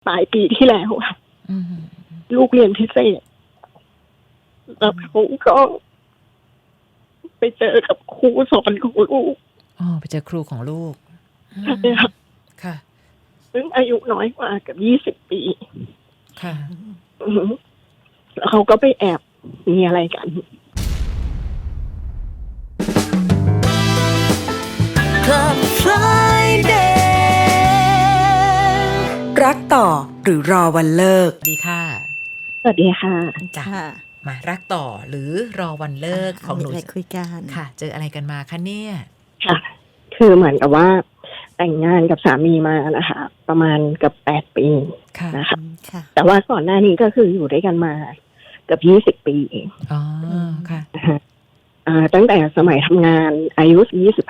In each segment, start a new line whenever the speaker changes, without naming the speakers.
ปลายปีที่แล้วค่ะ
อืม
ลูกเรียนพิเศษแล้วเขาก็ไปเจอกับครูสอนของลูก
อ๋อไปเจอครูของลูก
ใช่ค่ะ
ค่ะ
ซึ่งอายุน้อยกว่ากับ20 ปี
ค่ะ
อือหือแล้วเขาก็ไปแอบมีอะไรกัน
Club Friday รักต่อหรือรอวันเลิก
ดีค่ะ
สวัสดีค่ะ
จ้ะ
ค่ะ
มารักต่อหรือรอวันเลิกของหนู
มีอะไรคุยกัน
ค่ะ เจออะไรกันมาคะเนี่ย
ค่ะ คือเหมือนกับว่าแต่งงานกับสามีมานะคะ ประมาณเกับ8 ปี
ค่ะ
นะคะ
ค่ะ
แต่ว่าก่อนหน้านี้ก็คืออยู่ด้วยกันมาเกือบ20 ปีเอง
อ๋อ ค่ะ
นะคะตั้งแต่สมัยทำงานอายุ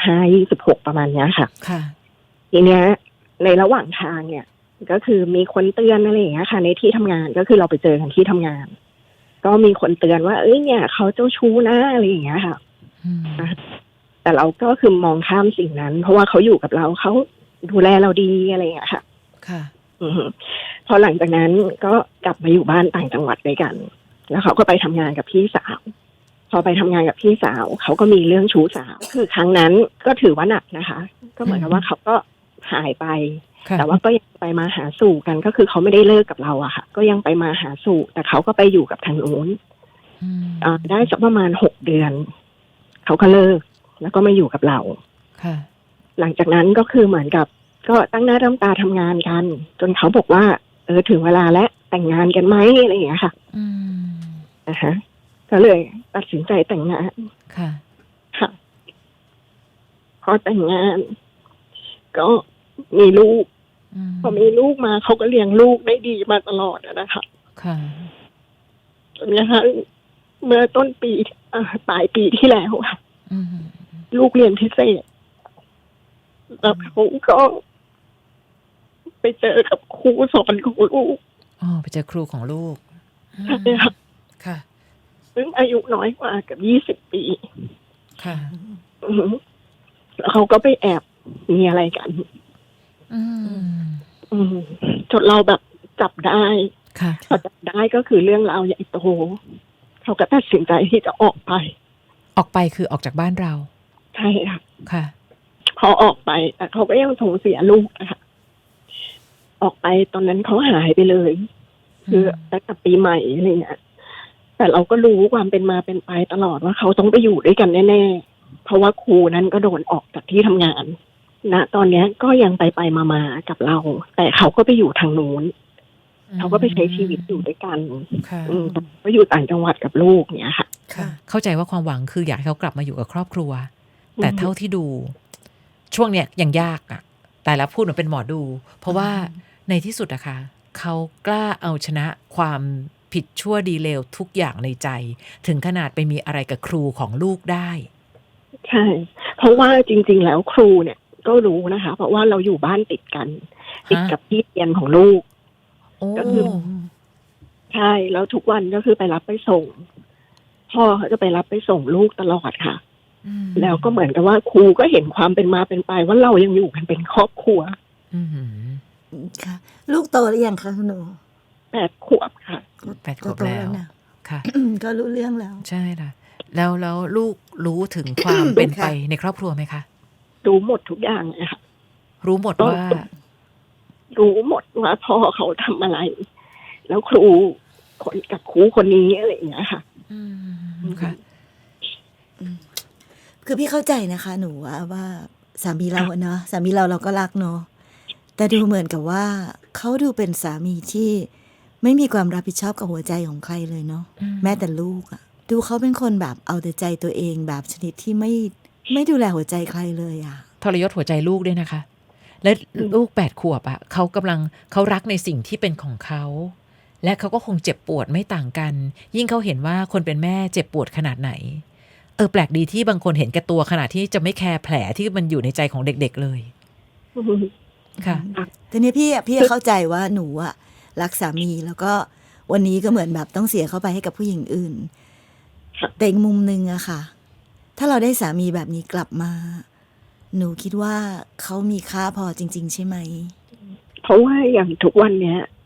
25-26ประมาณเนี้ยค่ะ
ค่ะ
ทีเนี้ยในระหว่างทางเนี่ย ก็คือมีคนเตือนอะไรอย่างเงี้ยค่ะ ในที่ทำงานก็คือเราไปเจอกันที่ทำงาน ก็มีคนเตือนว่าเอ้ยเนี่ยเขาเจ้าชู้นะอะไรอย่างเงี้ยค่ะ
อืม
แต่เราก็คือมองข้ามสิ่งนั้น เพราะว่าเขาอยู่กับเราเขาดูแลเราดีอะไรอย่างเงี้ยค่ะ
ค่ะ
อือฮึพอหลังจากนั้นก็กลับมาอยู่บ้านต่างจังหวัดด้วยกัน แล้วเขาก็ไปทำงานกับพี่สาว พอไปทำงานกับพี่สาวเขาก็มีเรื่องชู้สาว คือครั้งนั้นก็ถือว่าหนักนะคะ ก็เหมือนกับว่าเขาก็หายไป
ค่ะ
แต่ว่าก็ยังไปมาหาสู่กันก็คือเขาไม่ได้เลิกกับเราอะค่ะ ก็ยังไปมาหาสู่ แต่เขาก็ไปอยู่กับทางนู้น
อืม
ได้สักประมาณ6 เดือนเขาก็เลิก แล้วก็มาอยู่กับเรา
ค่ะ
หลังจากนั้นก็คือเหมือนกับ ก็ตั้งหน้าตั้งตาทำงานกัน จนเขาบอกว่าถึงเวลาแล้วแต่งงานกันไหมอะไรอย่างเงี้ยค่ะ
อืม
นะคะก็เลยตัดสินใจแต่งงาน
ค่ะ
ค่ะ พอแต่งงาน ก็มีลูก
อืม
พอมีลูกมาเขาก็เลี้ยงลูกได้ดีมาตลอดนะคะ
ค่ะ
จนกระทั่งเมื่อต้นปีปลายปีที่แล้วค่ะ
อืม
ลูกเรียนพิเศษแล้วเขาก็ไปเจอกับครูสอนของลูก
อ๋อไปเจอครูของลูก
ใช่ค่ะ
ค่ะ
ซึ่งอายุน้อยกว่ากับ20 ปี
ค่ะ
อือหือแล้วเขาก็ไปแอบมีอะไรกัน
อืม
จนเราแบบจับได้
ค่ะ
พอจับได้ก็คือเรื่องราวใหญ่โตเขาก็ตัดสินใจที่จะออกไป
ออกไปคือออกจากบ้านเรา
ใช่ค่ะ
ค่ะ
พอออกไปแต่เขาก็ยังส่งเสียลูกนะคะออกไปตอนนั้นเขาหายไปเลย คือตั้งแต่ปีใหม่อะไรเงี้ยแต่เราก็รู้ความเป็นมาเป็นไปตลอดว่าเขาต้องไปอยู่ด้วยกันแน่ๆเพราะว่าครูนั้นก็โดนออกจากที่ทำงานนะตอนเนี้ยก็ยังไปมาๆกับเรา แต่เขาก็ไปอยู่ทางนู้นเขาก็ไปใช้ชีวิตอยู่ด้วยกัน
ค่ะ
ก็อยู่ต่างจังหวัดกับลูกเนี้ยค่ะ
ค่ะ เข้าใจว่าความหวังคืออยากให้เขากลับมาอยู่กับครอบครัว แต่เท่าที่ดู ช่วงเนี้ยยังยากอะแต่ละพูดเหมือนเป็นหมอดู เพราะว่าในที่สุดอะค่ะเขากล้าเอาชนะความผิดชั่วดีเลวทุกอย่างในใจ ถึงขนาดไปมีอะไรกับครูของลูกได้
ใช่ เพราะว่าจริงๆแล้วครูเนี่ยก็รู้นะคะ เพราะว่าเราอยู่บ้านติดกัน ติดกับที่เรียนของลูก
โอ้
ก็คือ ใช่แล้วทุกวันก็คือไปรับไปส่งพ่อเขาจะไปรับไปส่งลูกตลอดค่ะ
อืม
แล้วก็เหมือนกับว่าครูก็เห็นความเป็นมาเป็นไปว่าเรายังอยู่กันเป็นครอบครัว
อืม
ค่ะ ลูกโตหรือยังคะคุณหนู
8 ขวบค่ะ
8 ขวบ
โต
แล้ว
นะ
ค่ะ
ก็รู้เรื่องแล้ว
ใช่ค่ะแล้วลูกรู้ถึงความเป็นไปในครอบครัวไหมคะ
รู้หมดทุกอย่างเลยค่ะ
รู้หมดว่า
รู้หมดว่าพ่อเขาทำอะไร แล้วครูคนกับครูคนนี้อะไรอย่างเงี้ยค่ะ
อืมค่ะ
คือพี่เข้าใจนะคะหนูว่าสามีเราอะเนาะสามีเราก็รักเนาะแต่ดูเหมือนกับว่าเขาดูเป็นสามีที่ไม่มีความรับผิดชอบกับหัวใจของใครเลยเนาะ
อืม
แม้แต่ลูกอะดูเขาเป็นคนแบบเอาแต่ใจตัวเองแบบชนิดที่ไม่ดูแลหัวใจใครเลยอะ
ทรยศหัวใจลูกด้วยนะคะ และลูก8 ขวบอะเขารักในสิ่งที่เป็นของเขา และเขาก็คงเจ็บปวดไม่ต่างกัน ยิ่งเขาเห็นว่าคนเป็นแม่เจ็บปวดขนาดไหน แปลกดีที่บางคนเห็นแก่ตัวขนาดที่จะไม่แคร์แผลที่มันอยู่ในใจของเด็กๆเลยค่ะ
แต่เนี่ยพี่เข้าใจว่าหนูอะรักสามีแล้วก็วันนี้ก็เหมือนแบบต้องเสียเข้าไปให้กับผู้หญิงอื่น แต่อีกมุมนึงอะค่ะ ถ้าเราได้สามีแบบนี้กลับมา หนูคิดว่าเขามีค่าพอจริง ๆ ใช่ไหม
เพราะว่าอย่างทุกวันเนี้ย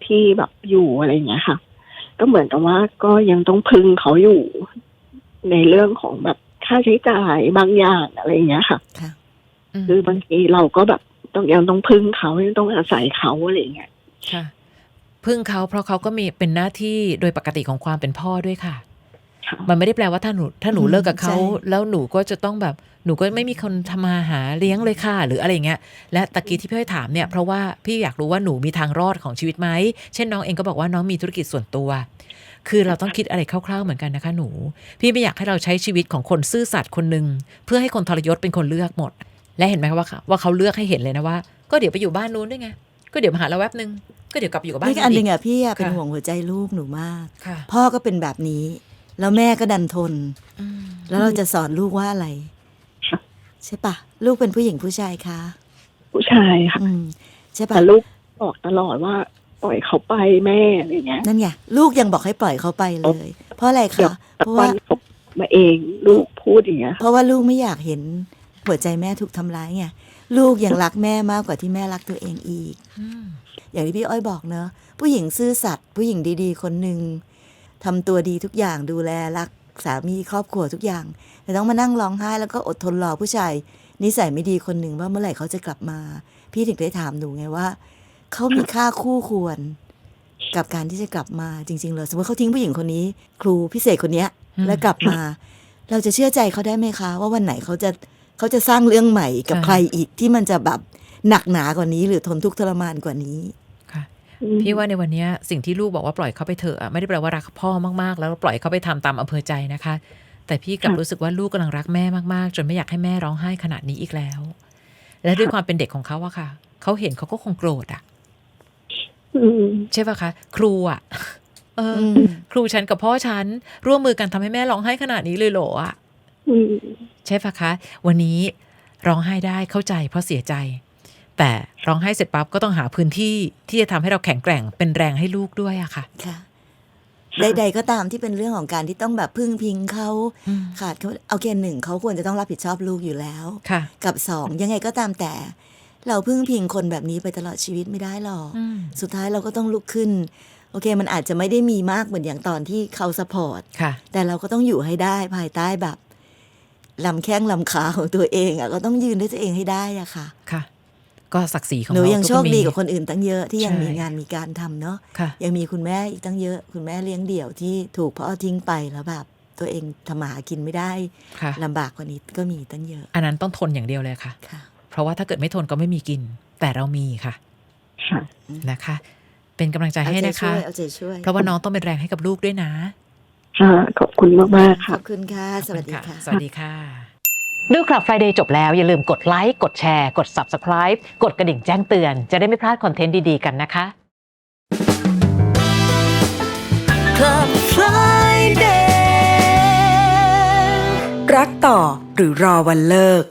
ที่แบบอยู่อะไรอย่างเงี้ยค่ะ ก็เหมือนกับว่าก็ยังต้องพึ่งเขาอยู่ในเรื่องของแบบค่าใช้จ่ายบางอย่างอะไรอย่างเงี้ยค่ะ
ค่ะ
คือบางทีเราก็แบบยังต้องพึ่งเขายังต้องอาศัยเขาอะไรอย่างเงี้ย
ค่ะ พึ่งเขาเพราะเขาก็มีเป็นหน้าที่โดยปกติของความเป็นพ่อด้วยค่ะ
ค่ะ
มันไม่ได้แปลว่าถ้าหนูเลิกกับเขา
ใช่
แล้วหนูก็จะต้องแบบหนูก็ไม่มีคนทำมาหาเลี้ยงเลยค่ะหรืออะไรอย่างเงี้ยและตะกี้ที่พี่อ้อยถามเนี่ยเพราะว่าพี่อยากรู้ว่าหนูมีทางรอดของชีวิตไหมเช่นน้องเองก็บอกว่าน้องมีธุรกิจส่วนตัว คือเราต้องคิดอะไรคร่าวๆเหมือนกันนะคะหนูพี่ไม่อยากให้เราใช้ชีวิตของคนซื่อสัตย์คนหนึ่งเพื่อให้คนทรยศเป็นคนเลือกหมด และเห็นไหมคะว่าเขาเลือกให้เห็นเลยนะว่าก็เดี๋ยวไปอยู่บ้านนู้นด้วยไงก็เดี๋ยวมาหาเราแวบนึงก็เดี๋ยวกลับไปอยู่กับบ้าน
นี่ก็อันหนึ่ง
อีก
อ่ะพี่อะเป็น
ค่ะ
ห่วงหัวใจลูกหนูมาก
ค่ะ
พ่อก็เป็นแบบนี้ แล้วแม่ก็ดันทน
อืม
แล้วเราจะสอนลูกว่าอะไร
ค่ะ
ใช่ปะลูกเป็นผู้หญิงผู้ชายคะ
ผู้ชายค่ะ
อืมใช่ปะ
แต่ลูกบอกตลอดว่าปล่อยเขาไปแม่อะไรอย่างเงี้ย
นั่นไงลูกยังบอกให้ปล่อยเขาไปเลย เพราะอะไร
เดี๋ยว
คะ
แต่
เพราะ
วั
ว่า
นเขามาเองลูกพูดอย่างเงี้ย
เพราะว่าลูกไม่อยากเห็นหัวใจแม่ถูกทำร้ายไงลูกยังรักแม่มากกว่าที่แม่รักตัวเองอีก
อืม
อย่างที่พี่อ้อยบอกเนอะผู้หญิงซื่อสัตย์ผู้หญิงดีๆ คนหนึ่งทำตัวดีทุกอย่างดูแลรักสามีครอบครัวทุกอย่าง แต่ต้องมานั่งร้องไห้แล้วก็อดทนรอผู้ชายนิสัยไม่ดีคนหนึ่งว่าเมื่อไหร่เขาจะกลับมา พี่ถึงได้ถามหนูไงว่าเขามีค่าคู่ควร กับการที่จะกลับมาจริงๆเลยสมมติเขาทิ้งผู้หญิงคนนี้ ครูพิเศษคนเนี้ย แล้วกลับมา เราจะเชื่อใจเขาได้ไหมคะ ว่าวันไหนเขาจะสร้างเรื่องใหม่กับใครอีกที่มันจะแบบหนักหนากว่านี้ หรือทนทุกข์ทรมานกว่านี้
ค่ะพี่ว่าในวันนี้สิ่งที่ลูกบอกว่าปล่อยเขาไปเถอะอะไม่ได้แปลว่ารักพ่อมากๆแล้วปล่อยเขาไปทำตามอำเภอใจนะคะ แต่พี่กลับรู้สึกว่าลูกกำลังรักแม่มากๆจนไม่อยากให้แม่ร้องไห้ขนาดนี้อีกแล้ว และด้วยความเป็นเด็กของเขาอะค่ะเขาเห็นเขาก็คงโกรธอะ
อืม
ใช่ปะคะครูอะเอออ
ม
ครูฉันกับพ่อฉันร่วมมือกันทำให้แม่ร้องไห้ขนาดนี้เลยเหรออะ
อืม
ใช่ปะคะวันนี้ร้องไห้ได้เข้าใจเพราะเสียใจ แต่ร้องไห้เสร็จปั๊บก็ต้องหาพื้นที่ที่จะทำให้เราแข็งแกร่งเป็นแรงให้ลูกด้วยอะค่ะ
ค่ะ ใดๆก็ตามที่เป็นเรื่องของการที่ต้องแบบพึ่งพิงเขา
อืม
ขาดเขาเอาเกณฑ์หนึ่งเขาควรจะต้องรับผิดชอบลูกอยู่แล้ว
ค่ะ
กับสองยังไงก็ตามแต่ เราพึ่งพิงคนแบบนี้ไปตลอดชีวิตไม่ได้หรอก
อืม
สุดท้ายเราก็ต้องลุกขึ้น โอเค มันอาจจะไม่ได้มีมากเหมือนอย่างตอนที่เขาสปอร์ต
ค่ะ
แต่เราก็ต้องอยู่ให้ได้ภายใต้แบบลำแข้งลำขาของตัวเองอ่ะก็ต้องยืนด้วยตัวเองให้ได้อ่ะค่ะ
ค่ะ ก็ศักดิ์ศรีของ
หนู
เรา
ยัง
ก็
โชค
มี
ดีกว่าคนอื่นตั้งเยอะที่ยัง
ใช่
มีงานมีการทำเนาะ
ค่ะ
ยังมีคุณแม่อีกตั้งเยอะ คุณแม่เลี้ยงเดี่ยวที่ถูกพ่อทิ้งไปแล้วแบบ ตัวเองทำมาหากินไม่ได้
ค่ะ
ลำบากกว่านี้ก็มีตั้งเยอะ
อันนั้นต้องทนอย่างเดียวเลยค่ะ
ค่ะ
เพราะว่าถ้าเกิดไม่ทนก็ไม่มีกิน แต่เรามีค่ะ
ค่ะ
นะคะ เป็นกำลังใจ
เอา
ให้
ใจ
นะ
ช่
คะ
วยเอาใจช่วย
เพราะว่าน้องต้องเป็นแรงให้กับลูกด้วยนะ
ค่ะ ขอบคุณมากๆ
ข
ค่ะ
อบคุณค่ะสวัสดีค่ะ
สวัสดีค่ะ ดูคลับ Friday จบแล้วอย่าลืมกดไลค์กดแชร์กด Subscribe กดกระดิ่งแจ้งเตือนจะได้ไม่พลาดคอนเทนต์ดีๆกันนะคะ
Club Friday
รักต่อหรือรอวันเลิก